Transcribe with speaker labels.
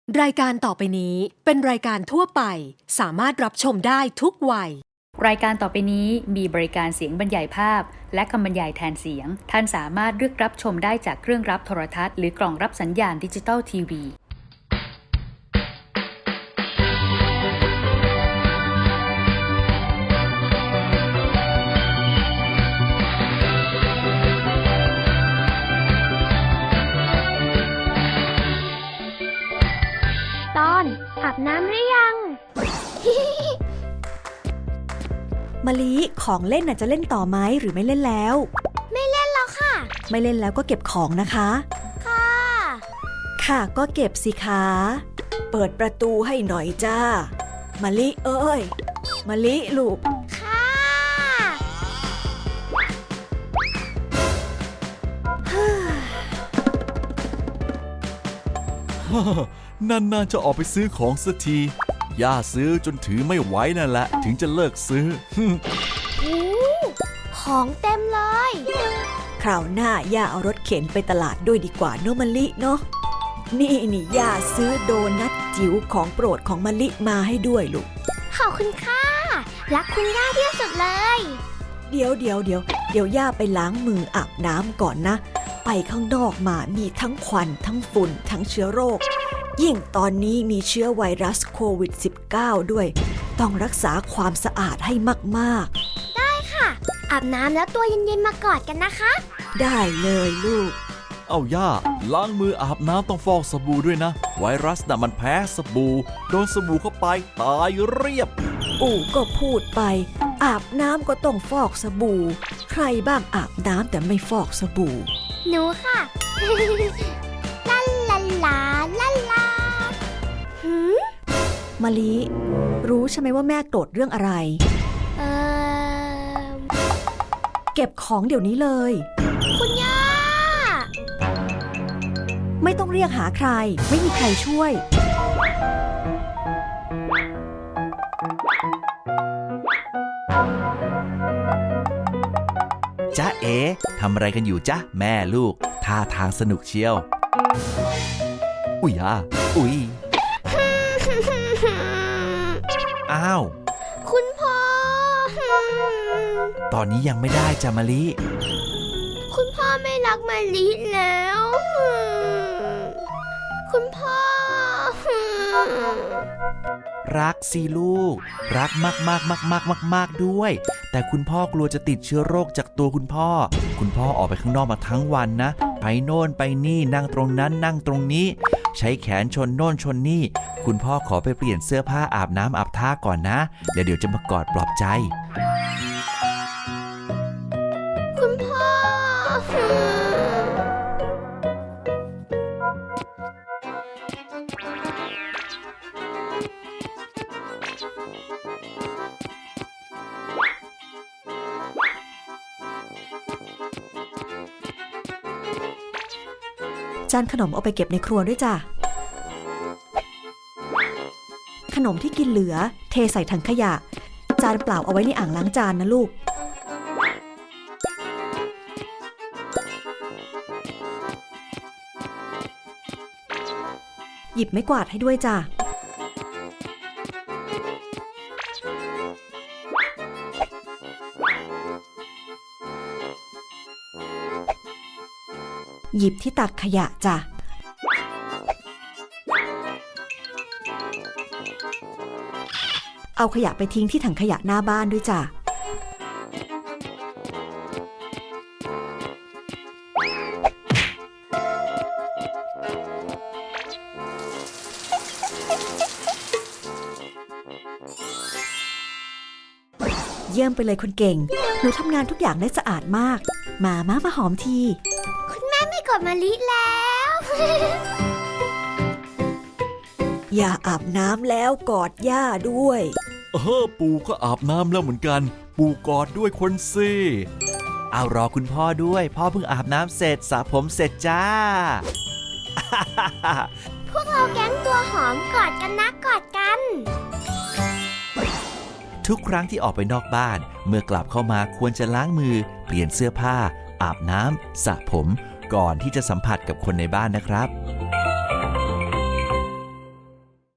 Speaker 1: รายการต่อไปนี้เป็นรายการทั่วไปสามารถรับชมได้ทุกวัย
Speaker 2: รายการต่อไปนี้มีบริการเสียงบรรยายภาพและคำบรรยายแทนเสียงท่านสามารถเลือกรับชมได้จากเครื่องรับโทรทัศน์หรือกล่องรับสัญญาณดิจิตอลทีวี
Speaker 3: ตอนอาบน้ำหรือยัง
Speaker 4: มะลิของเล่นน่ะจะเล่นต่อไหมหรือไม่เล่นแล้ว
Speaker 3: ไม่เล่นแล้วค่ะ
Speaker 4: ไม่เล่นแล้วก็เก็บของนะคะ
Speaker 3: ค่ะ
Speaker 4: ค่ะก็เก็บสิคะเปิดประตูให้หน่อยจ้ามะลิเอ้ยมะลิลูก
Speaker 3: ค่ะ
Speaker 5: นานๆจะออกไปซื้อของสักทีย่าซื้อจนถือไม่ไหวนั่นแหละถึงจะเลิกซื้อ
Speaker 3: โอ้ของเต็มเลย
Speaker 4: คราวหน้าย่าเอารถเข็นไปตลาดด้วยดีกว่าเนอะมะลิเนาะนี่ย่าซื้อโดนัทจิ๋วของโปรดของมะลิมาให้ด้วยลูก
Speaker 3: ขอบคุณค่ะ รักคุณย่าที่สุดเลย
Speaker 4: เดี๋ยวย่าไปล้างมืออาบน้ำก่อนนะไปข้างนอกมามีทั้งควันทั้งฝุ่นทั้งเชื้อโรคยิ่งตอนนี้มีเชื้อไวรัสโควิด -19 ด้วยต้องรักษาความสะอาดให้มากๆ
Speaker 3: ได้ค่ะ อาบน้ำแล้วตัวเย็นๆมากอดกันนะคะ
Speaker 4: ได้เลยลูก
Speaker 5: เอาย่าล้างมืออาบน้ำต้องฟอกสบู่ด้วยนะไวรัสน่ะมันแพ้สบู่โดนสบู่เข้าไปตายเรียบ
Speaker 4: ปู่ก็พูดไปอาบน้ำก็ต้องฟอกสบู่ใครบ้างอาบน้ำแต่ไม่ฟอกสบู่
Speaker 3: หนูค่ะ ลาลาลาลาลาหืม
Speaker 4: มะลิรู้ใช่ไหมว่าแม่โกรธเรื่องอะไร
Speaker 3: เออ
Speaker 4: เก็บของเดี๋ยวนี้เลย
Speaker 3: คุณย่า
Speaker 4: ไม่ต้องเรียกหาใครไม่มีใครช่วย
Speaker 5: จ๊ะเอ๋ทำอะไรกันอยู่จ๊ะแม่ลูกท่าทางสนุกเชียวอุ๊ยย่าอุ๊ยอ้าว
Speaker 3: คุณพ่อ
Speaker 5: ตอนนี้ยังไม่ได้จ้ะมะลิ
Speaker 3: คุณพ่อไม่รักมะลิแล้ว คุณพ่อ
Speaker 5: รักสิลูกรักมากๆๆๆๆด้วยแต่คุณพ่อกลัวจะติดเชื้อโรคจากตัวคุณพ่อออกไปข้างนอกมาทั้งวันนะไปโน่นไปนี่นั่งตรงนั้นนั่งตรงนี้ใช้แขนชนโน่นชนนี่คุณพ่อขอไปเปลี่ยนเสื้อผ้าอาบน้ำอาบท่าก่อนนะเดี๋ยวจะมากอดปลอบใจ
Speaker 3: คุณพ่อ
Speaker 4: จานขนมเอาไปเก็บในครัวด้วยจ้ะขนมที่กินเหลือเทใส่ถังขยะจานเปล่าเอาไว้ในอ่างล้างจานนะลูกหยิบไม้กวาดให้ด้วยจ้ะหยิบที่ตักขยะจ้ะเอาขยะไปทิ้งที่ถังขยะหน้าบ้านด้วยจ้ะเยี่ยมไปเลยคนเก่งหนูทำงานทุกอย่างได้สะอาดมากมาหอมที
Speaker 3: คุณแม่ไม่กดมะลิแล้ว
Speaker 4: อย่าอาบน้ำแล้วกอดย่าด้วย
Speaker 5: ปู่ก็อาบน้ำแล้วเหมือนกันปู่กอดด้วยคนสิเอารอคุณพ่อด้วยพ่อเพิ่งอาบน้ำเสร็จสระผมเสร็จจ้า
Speaker 3: พวกเราแก๊งตัวหอมกอดกันนะกอดกัน
Speaker 5: ทุกครั้งที่ออกไปนอกบ้านเมื่อกลับเข้ามาควรจะล้างมือเปลี่ยนเสื้อผ้าอาบน้ำสระผมก่อนที่จะสัมผัสกับคนในบ้านนะครับ